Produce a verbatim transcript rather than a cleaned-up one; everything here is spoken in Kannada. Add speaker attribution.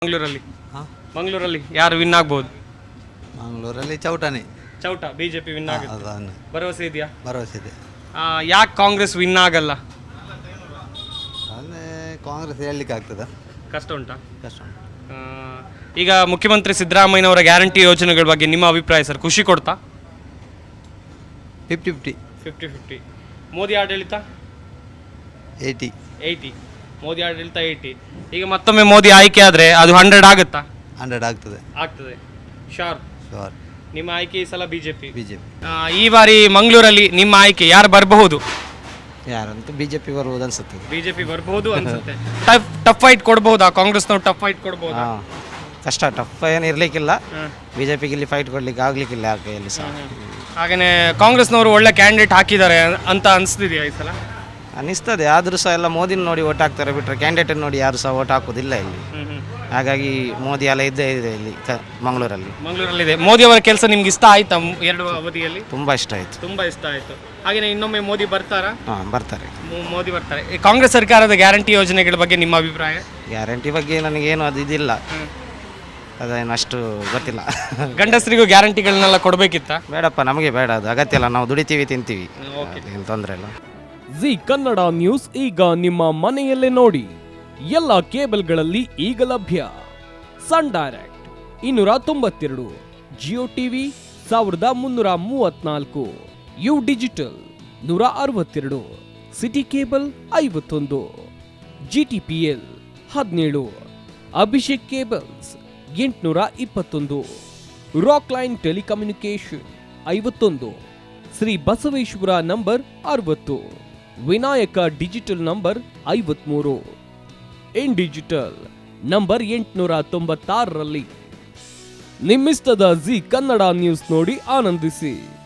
Speaker 1: ಮಂಗಳೂರಲ್ಲಿ
Speaker 2: ಹಾಂ
Speaker 1: ಮಂಗಳೂರಲ್ಲಿ ಯಾರು ವಿನ್ ಆಗ್ಬೋದು?
Speaker 2: ಮಂಗಳೂರಲ್ಲಿ ಚೌಟನೆ
Speaker 1: ಚೌಟ ಬಿಜೆಪಿ ವಿನ್ ಆಗುತ್ತೆ
Speaker 2: ಅದನ್ನು
Speaker 1: ಭರವಸೆ ಇದೆಯಾ?
Speaker 2: ಭರವಸೆ ಇದೆ.
Speaker 1: ಯಾಕೆ ಕಾಂಗ್ರೆಸ್ ವಿನ್ ಆಗಲ್ಲ?
Speaker 2: ಅಂದರೆ ಕಾಂಗ್ರೆಸ್ ಹೇಳಲಿಕ್ಕೆ ಆಗ್ತದ,
Speaker 1: ಕಷ್ಟ ಉಂಟಾ?
Speaker 2: ಕಷ್ಟ ಉಂಟು.
Speaker 1: ಆ, ಈಗ ಮುಖ್ಯಮಂತ್ರಿ ಸಿದ್ದರಾಮಯ್ಯನವರ ಗ್ಯಾರಂಟಿ ಯೋಜನೆಗಳ ಬಗ್ಗೆ ನಿಮ್ಮ ಅಭಿಪ್ರಾಯ ಸರ್? ಖುಷಿ ಕೊಡ್ತಾ?
Speaker 2: Fifty fifty
Speaker 1: fifty fifty. Modi ಆಡಳಿತ
Speaker 2: ಏಯ್ಟಿ
Speaker 1: ಏಯ್ಟಿ, ಮೋದಿ ಆಡಳಿತ ಏಯ್ಟಿ. ಈಗ ಮತ್ತೊಮ್ಮೆ ಮೋದಿ ಆಯ್ಕೆ ಆದರೆ ಅದು ಹಂಡ್ರೆಡ್ ಆಗುತ್ತಾ?
Speaker 2: ಹಂಡ್ರೆಡ್ ಆಗ್ತದೆ.
Speaker 1: ಆಗ್ತದೆ ಶೋರ್.
Speaker 2: ಶೋರ್.
Speaker 1: ನಿಮ್ಮ ಆಯ್ಕೆ ಈ ಸಲ ಬಿಜೆಪಿ.
Speaker 2: ಬಿ ಜೆ ಪಿ
Speaker 1: ಈ ಬಾರಿ ಮಂಗಳೂರಲ್ಲಿ ನಿಮ್ಮ ಆಯ್ಕೆ ಯಾರು ಬರಬಹುದು?
Speaker 2: ಯಾರಂತೂ ಬಿ ಜೆ ಪಿ ಬರ್ಬೋದು ಅನ್ಸುತ್ತೆ.
Speaker 1: ಬಿಜೆಪಿ ಬರಬಹುದು ಅನ್ಸುತ್ತೆ. ಟಫ್ ಟಫ್ ಫೈಟ್ ಕೊಡ್ಬಹುದಾ ಕಾಂಗ್ರೆಸ್ನವ್ರು? ಟಫ್ ಫೈಟ್ ಕೊಡ್ಬಹುದಾ?
Speaker 3: ಹಾಂ ಕಷ್ಟ, ಟಫ್ ಏನು ಇರಲಿಕ್ಕಿಲ್ಲ. ಬಿ ಜೆ ಪಿಗೆ ಇಲ್ಲಿ ಫೈಟ್ ಕೊಡಲಿಕ್ಕೆ ಆಗಲಿಕ್ಕಿಲ್ಲ ಆ ಕೈಯಲ್ಲಿ ಸಹ.
Speaker 1: ಹಾಗೆಯೇ ಕಾಂಗ್ರೆಸ್ನವರು ಒಳ್ಳೆ ಕ್ಯಾಂಡಿಡೇಟ್ ಹಾಕಿದ್ದಾರೆ ಅಂತ ಅನಿಸ್ತಿದೆಯಾ ಈ ಸಲ?
Speaker 3: ಅನಿಸ್ತದೆ, ಆದರೂ ಸಹ ಎಲ್ಲ ಮೋದಿನ ನೋಡಿ ಓಟ್ ಹಾಕ್ತಾರೆ ಬಿಟ್ಟರೆ ಕ್ಯಾಂಡಿಡೇಟ್ ನೋಡಿ ಯಾರು ಸಹ ಓಟ್ ಹಾಕೋದಿಲ್ಲ ಇಲ್ಲಿ. ಹಾಗಾಗಿ ಮೋದಿ ಎಲ್ಲ ಇದ್ದೇ ಇದೆ ಇಲ್ಲಿ ಕ ಮಂಗಳೂರಲ್ಲಿ.
Speaker 1: ಮಂಗಳೂರಲ್ಲಿದೆ. ಮೋದಿ ಅವರ ಕೆಲಸ ನಿಮ್ಗೆ ಇಷ್ಟ ಆಯ್ತಾ ಎರಡು ಅವಧಿಯಲ್ಲಿ?
Speaker 3: ತುಂಬ ಇಷ್ಟ ಆಯಿತು.
Speaker 1: ತುಂಬ ಇಷ್ಟ ಆಯಿತು. ಹಾಗೆಯೇ ಇನ್ನೊಮ್ಮೆ ಮೋದಿ ಬರ್ತಾರಾ?
Speaker 3: ಹಾಂ ಬರ್ತಾರೆ,
Speaker 1: ಮೋ- ಮೋದಿ ಬರ್ತಾರೆ. ಈ ಕಾಂಗ್ರೆಸ್ ಸರ್ಕಾರದ ಗ್ಯಾರಂಟಿ ಯೋಜನೆಗಳ ಬಗ್ಗೆ ನಿಮ್ಮ ಅಭಿಪ್ರಾಯ?
Speaker 3: ಗ್ಯಾರಂಟಿ ಬಗ್ಗೆ ನನಗೇನು ಅದು ಇದಿಲ್ಲ, ಅದೇನು ಅಷ್ಟು ಗೊತ್ತಿಲ್ಲ.
Speaker 1: ಗಂಡಸರಿಗೂ ಗ್ಯಾರಂಟಿಗಳನ್ನೆಲ್ಲ ಕೊಡಬೇಕಿತ್ತ?
Speaker 3: ಬೇಡಪ್ಪ, ನಮಗೆ ಬೇಡ, ಅದು ಅಗತ್ಯ ಇಲ್ಲ. ನಾವು ದುಡಿತೀವಿ, ತಿಂತೀವಿ, ಏನು ತೊಂದರೆ ಇಲ್ಲ.
Speaker 4: ಜಿ ಕನ್ನಡ ನ್ಯೂಸ್ ಈಗ ನಿಮ್ಮ ಮನೆಯಲ್ಲೇ ನೋಡಿ. ಎಲ್ಲ ಕೇಬಲ್ಗಳಲ್ಲಿ ಈಗ ಲಭ್ಯ. ಸನ್ ಡೈರೆಕ್ಟ್ ಇನ್ನೂರ ತೊಂಬತ್ತೆರಡು, ಜಿಯೋ ಟಿವಿ ಸಾವಿರದ ಮುನ್ನೂರ ಮೂವತ್ನಾಲ್ಕು, ಯು ಡಿಜಿಟಲ್ ನೂರ ಅರವತ್ತೆರಡು, ಸಿಟಿ ಕೇಬಲ್ ಐವತ್ತೊಂದು, ಜಿ ಟಿ ಪಿ ಎಲ್ ಹದಿನೇಳು, ಅಭಿಷೇಕ್ ಕೇಬಲ್ಸ್ ಎಂಟುನೂರ ಇಪ್ಪತ್ತೊಂದು, ರಾಕ್ ಲೈನ್ ಟೆಲಿಕಮ್ಯುನಿಕೇಶನ್ ಐವತ್ತೊಂದು, ಶ್ರೀ ಬಸವೇಶ್ವರ ನಂಬರ್ ಅರವತ್ತು, ವಿನಾಯಕ ಡಿಜಿಟಲ್ ನಂಬರ್ ಐವತ್ಮೂರು, ಇನ್ ಡಿಜಿಟಲ್ ನಂಬರ್ ಎಂಟುನೂರ ತೊಂಬತ್ತಾರರಲ್ಲಿ. ನಿಮ್ಮಿಸ್ತದ ಜಿ ಕನ್ನಡ ನ್ಯೂಸ್ ನೋಡಿ ಆನಂದಿಸಿ.